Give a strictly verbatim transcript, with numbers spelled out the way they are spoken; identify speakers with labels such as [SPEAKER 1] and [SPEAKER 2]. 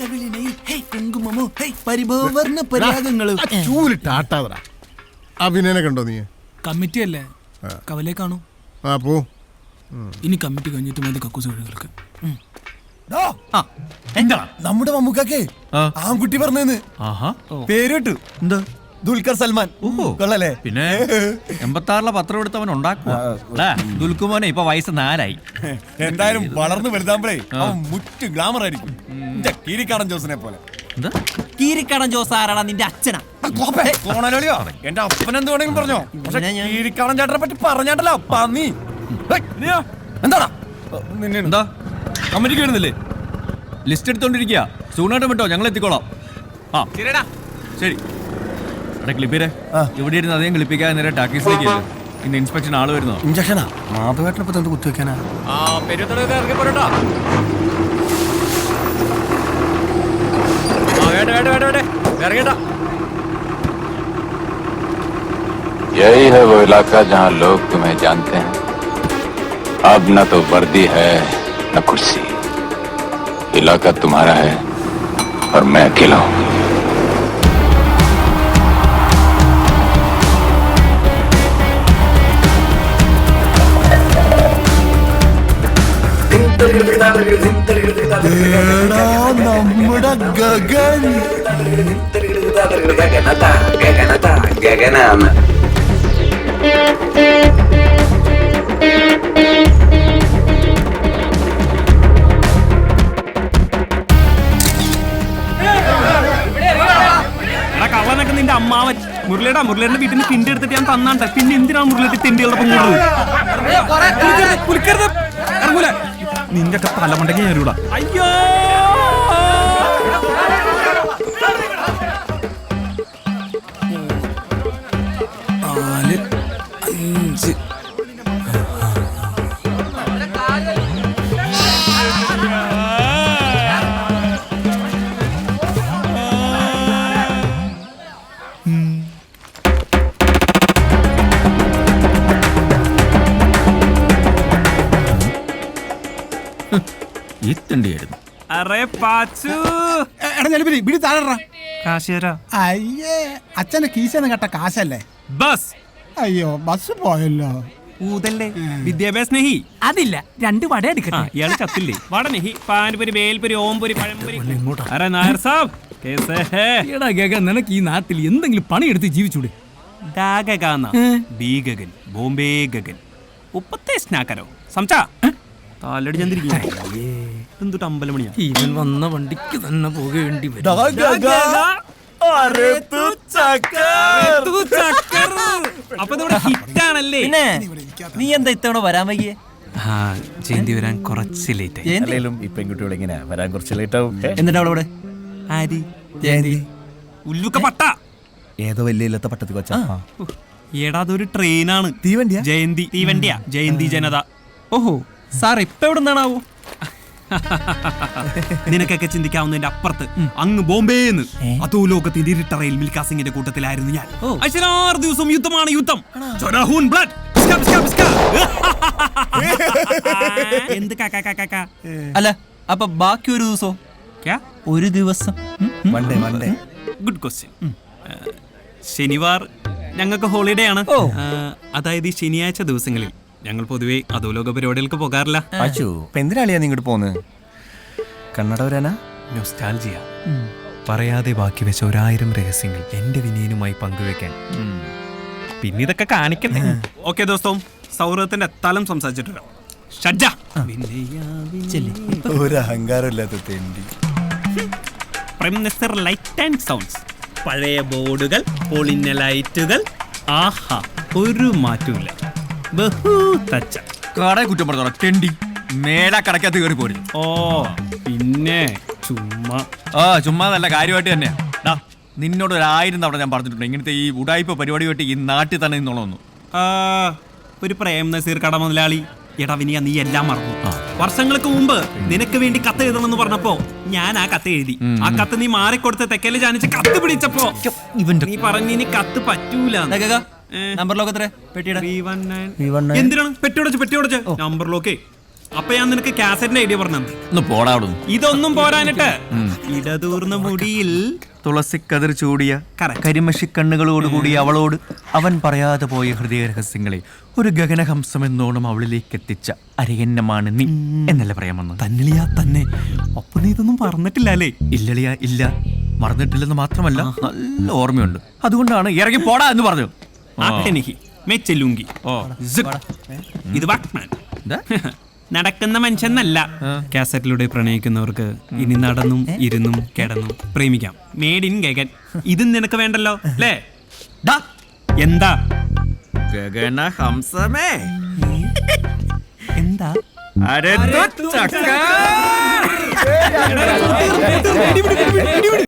[SPEAKER 1] അഭിനയനെ കണ്ടോ നീ?
[SPEAKER 2] കമ്മിറ്റി അല്ലേ, കവലേ കാണൂ.
[SPEAKER 1] ആ പോ.
[SPEAKER 2] ഇനി കമ്മിറ്റി കഴിഞ്ഞിട്ട് മതി കക്കൂസ് കഴികൾക്ക്.
[SPEAKER 3] നമ്മുടെ മമ്മൂക്കേ ആൺകുട്ടി പറഞ്ഞെന്ന് പേര് കേട്ടു. എന്താ? ദുൽഖർ സൽമാൻ. കൊള്ളല്ലേ?
[SPEAKER 4] പിന്നെ എൺപത്താറിലെ പത്രം എടുത്തവൻ ഉണ്ടാക്കുക. ദുൽഖുമോനെ ഇപ്പൊ വയസ്സ് നാലായി.
[SPEAKER 3] എന്തായാലും വളർന്നു വലുതാകുമ്പോഴേ അവൻ മുറ്റ് ഗ്ലാമർ ആയിരിക്കും. കീരിക്കാടൻ ജോസിനെ പോലെ.
[SPEAKER 4] കീരിക്കാടൻ ജോസ് ആരാടാ? നിന്റെ അച്ഛനാ?
[SPEAKER 3] എന്റെ അപ്പൻ എന്ത് വേണമെങ്കിലും പറഞ്ഞോ. കീരിക്കാടൻ ചേട്ടനെ പറ്റി പറഞ്ഞാട്ടല്ലോ പന്നി. എന്താടാ
[SPEAKER 4] എന്താ കമ്മിറ്റിക്ക് വരുന്നില്ലേ? ലിസ്റ്റ് എടുത്തോണ്ടിരിക്കുക. സൂണാട്ടം വിട്ടോ, ഞങ്ങൾ എത്തിക്കോളാം. ആ ശരി. എടാ ക്ലിപ്പിരെ, ഇവിടെ ഇരുന്ന് അധികം ക്ലിപ്പിക്കാതെ നേരെ ടാക്കീസിലേക്ക് ഇന്ന് ഇൻസ്പെക്ഷൻ ആള് വരുന്നോ?
[SPEAKER 3] ഇഞ്ചക്ഷനാ? മാധവേട്ടനപ്പോ എന്ത് കുത്തിവെക്കാനാ?
[SPEAKER 4] ആ പെരുത്തോടെ ഇറങ്ങി പോരട്ടോ.
[SPEAKER 5] यही है वो इलाका जहाँ लोग तुम्हें जानते हैं. अब न तो वर्दी है न कुर्सी. इलाका तुम्हारा है और मैं अकेला हूँ.
[SPEAKER 3] നമ്മുടെ ഗഗൻ
[SPEAKER 5] ഗഗനാണ്.
[SPEAKER 4] കള്ളനൊക്കെ നിന്റെ അമ്മാവൻ മുരളിയുടെ മുരളിയുടെ വീട്ടിൽ നിന്ന് തിണ്ടി എടുത്തിട്ട് ഞാൻ തന്നാട്ടെ. പിന്നെ എന്തിനാണ് മുരളിയുടെ തിണ്ടികളൊപ്പം കൂടുതൽ ഇറങ്ങൂല? നിന്റെ ഒക്കെ തലമുണ്ടെങ്കിൽ ഞാൻ വരൂടാ. അയ്യോ
[SPEAKER 2] നാല് അഞ്ച്
[SPEAKER 4] ഈ തിണ്ടിയായിരുന്നു. അറേ പാച്ചു
[SPEAKER 1] അയ്യേ, അച്ഛന്റെ കീശന്ന് കേട്ട കാശല്ലേ?
[SPEAKER 4] ബസ്.
[SPEAKER 1] അയ്യോ, ബസ് പോയല്ലോ.
[SPEAKER 4] ഊതല്ലേ വിദ്യാഭ്യാസ സ്നേഹി.
[SPEAKER 2] അതില്ല, രണ്ട് വട എടുക്കട്ടെ.
[SPEAKER 4] ഇയാള് ചത്തില്ലേ? വടനെഹി പാൻപുരി വേൽപുരി ഓംപുരി പഴംപുരി. അരെ നായർ സാബ് കേസേ ഹേ?
[SPEAKER 2] എടാ ഗഗൻ, നിനക്ക് ഈ നാട്ടിൽ എന്തെങ്കിലും പണിയെടുത്ത് ജീവിച്ചൂടെ?
[SPEAKER 4] ഗഗൻ ബോംബെ ഗഗൻ ഉപ്പത്തെ സ്നാക്കരോ സംസാ താലടി ചന്ദ്രിക്കും അമ്പലം മണിയാ.
[SPEAKER 2] ഇവൻ വന്ന വണ്ടിക്ക് തന്നെ പോകേണ്ടി വരും.
[SPEAKER 4] അപ്പൊ ഹിറ്റാണല്ലേ?
[SPEAKER 6] നീ എന്താ ഇത്തവണ വരാൻ വൈകിയേ?
[SPEAKER 4] ജയന്തി വരാൻ കുറച്ച് ലേറ്റ് ആയി.
[SPEAKER 3] ഈ പെൺകുട്ടികൾ ഇങ്ങനെ വരാൻ കുറച്ച് ലേറ്റ് ആവും.
[SPEAKER 6] എന്നിട്ട് അവളവിടെ
[SPEAKER 4] ആരി
[SPEAKER 6] ജയന്തി
[SPEAKER 4] ഉല്ലുക്ക പട്ട
[SPEAKER 3] ഏതോ വലിയ ഇല്ലാത്ത പട്ടത്തി കൊച്ചാ.
[SPEAKER 4] ഏടാ അതൊരു ട്രെയിനാണ്.
[SPEAKER 3] തീവണ്ടിയാ?
[SPEAKER 4] ജയന്തി തീവണ്ടിയാ. ജയന്തി ജനത.
[SPEAKER 6] ഓഹോ, സാർ ഇപ്പൊ എവിടെ നിന്നാണാവോ?
[SPEAKER 4] നിനക്കൊക്കെ ചിന്തിക്കാവുന്നതിന്റെ അപ്പുറത്ത് അങ്ങ് ബോംബെന്ന് അതോ ലോകത്തിന്റെ ഇരുട്ടറയിൽ മിൽഖാ സിംഗിന്റെ കൂട്ടത്തിലായിരുന്നു ഞാൻ. ആറ് ദിവസം യുദ്ധമാണ് യുദ്ധം. എന്ത്
[SPEAKER 6] അല്ല, അപ്പൊ ബാക്കി ഒരു ദിവസോ? ഒരു ദിവസം
[SPEAKER 4] ഗുഡ് ക്വസ്റ്റ്യൻ. ശനിവാർ ഞങ്ങൾക്ക് ഹോളിഡേ ആണ്. അതായത് ഈ ശനിയാഴ്ച ദിവസങ്ങളിൽ ഞങ്ങൾ പൊതുവെ അധോലോക പരിപാടികൾക്ക് പോകാറില്ല.
[SPEAKER 3] എന്തിനാളിയാ നീ ഇങ്ങോട്ട് പോന്ന്? കണ്ണട വരാനാ?
[SPEAKER 4] നൊസ്റ്റാൾജിയ. പറയാതെ ബാക്കി വെച്ച ഒരായിരം രഹസ്യങ്ങൾ എന്റെ വിനയനുമായി പങ്കുവെക്കാൻ. പിന്നെ ഇതൊക്കെ കാണിക്കണ്ടേ? ഓക്കെ ദോസ്തം, സൗഹൃദത്തിന്റെ തലം സംസാരിച്ചിട്ടുണ്ടോ?
[SPEAKER 3] ഒരു അഹങ്കാരമില്ലാത്ത തെണ്ടി.
[SPEAKER 4] Prime minister light and sounds. പഴയ ബോർഡുകൾ, പൊളിഞ്ഞ ലൈറ്റുകൾ. ആഹാ, ഒരു മാറ്റമില്ല.
[SPEAKER 6] കടയെ കുറ്റം പറഞ്ഞോളാം തെണ്ടി. മേലാ കടക്കകത്ത് കയറി പോരുന്നു.
[SPEAKER 4] ഓ പിന്നെ ചുമ്മാ.
[SPEAKER 6] ആ ചുമ്മാ നല്ല കാര്യമായിട്ട് തന്നെയാ. ഡാ, നിന്നോട് ഒരു ആയിരം തവണ ഞാൻ പറഞ്ഞിട്ടുണ്ട് ഇങ്ങനത്തെ ഈ ഉടായ്പ പരിപാടി വെട്ടി ഈ നാട്ടിൽ തന്നെ നിന്നോളൊന്നു.
[SPEAKER 4] ഒരു പ്രേം നസീർ കട മുതലാളി. എടാ വിനിയ, നീ എല്ലാം മറന്നു. വർഷങ്ങൾക്ക് മുമ്പ് നിനക്ക് വേണ്ടി കത്ത് എഴുതണമെന്ന് പറഞ്ഞപ്പോ ഞാൻ ആ കത്ത് എഴുതി. ആ കത്ത് നീ മാറിക്കൊടുത്ത് തെക്കല് ജാനിച്ച് കത്ത് പിടിച്ചപ്പോ നീ പറഞ്ഞു ഇനി കത്ത് പറ്റൂല.
[SPEAKER 6] നമ്പർ ലോക്ക് എത്ര? പെട്ടിയുടെ
[SPEAKER 4] എന്തിനാണ് പെട്ടിയോടച്ച് പെട്ടിയോടച്ച് നമ്പർ ലോക്കേ അപ്പൊ ഞാൻ നിനക്ക് കാസറ്റിന്റെ ഐഡിയ പറഞ്ഞു.
[SPEAKER 6] ഒന്ന് പോടാ അവിടുന്ന്.
[SPEAKER 4] ഇതൊന്നും പോരാനിട്ട് ഇടതൂർന്ന മുടിയിൽ
[SPEAKER 6] തുളസിക്കതിർ ചൂടിയ
[SPEAKER 4] Correct.
[SPEAKER 6] കരിമഷി കണ്ണുകളോടുകൂടി അവളോട് അവൻ പറയാതെ പോയ ഹൃദയ രഹസ്യങ്ങളെ ഒരു ഗഗനഹംസം എന്നോണം അവളിലേക്ക് എത്തിച്ച അരയന്നമാണ് നീ എന്നല്ലേ പറയാമെന്ന്.
[SPEAKER 4] തന്നിളിയാ തന്നെ. അപ്പൊ നീ ഇതൊന്നും പറഞ്ഞിട്ടില്ല അല്ലേ?
[SPEAKER 6] ഇല്ലളിയ ഇല്ല, മറന്നിട്ടില്ലെന്ന് മാത്രമല്ല നല്ല ഓർമ്മയുണ്ട്. അതുകൊണ്ടാണ് ഇറങ്ങി പോടാ എന്ന് പറഞ്ഞു.
[SPEAKER 4] ആട്ടെനിക്ക് മെച്ചെല്ലുങ്കി.
[SPEAKER 6] ഓ
[SPEAKER 4] ഇത് വാക്മാൻ. നടക്കുന്ന മനുഷ്യന്നല്ല. കാസറ്റിലൂടെ പ്രണയിക്കുന്നവർക്ക് ഇനി നടന്നും ഇരുന്നും കിടന്നും പ്രേമിക്കാം. Made in Gagan. ഇതും നിനക്ക് വേണ്ടല്ലോ അല്ലേ? എന്താ
[SPEAKER 6] ഗഗനഹംസമേ
[SPEAKER 4] എന്താ
[SPEAKER 6] അരെ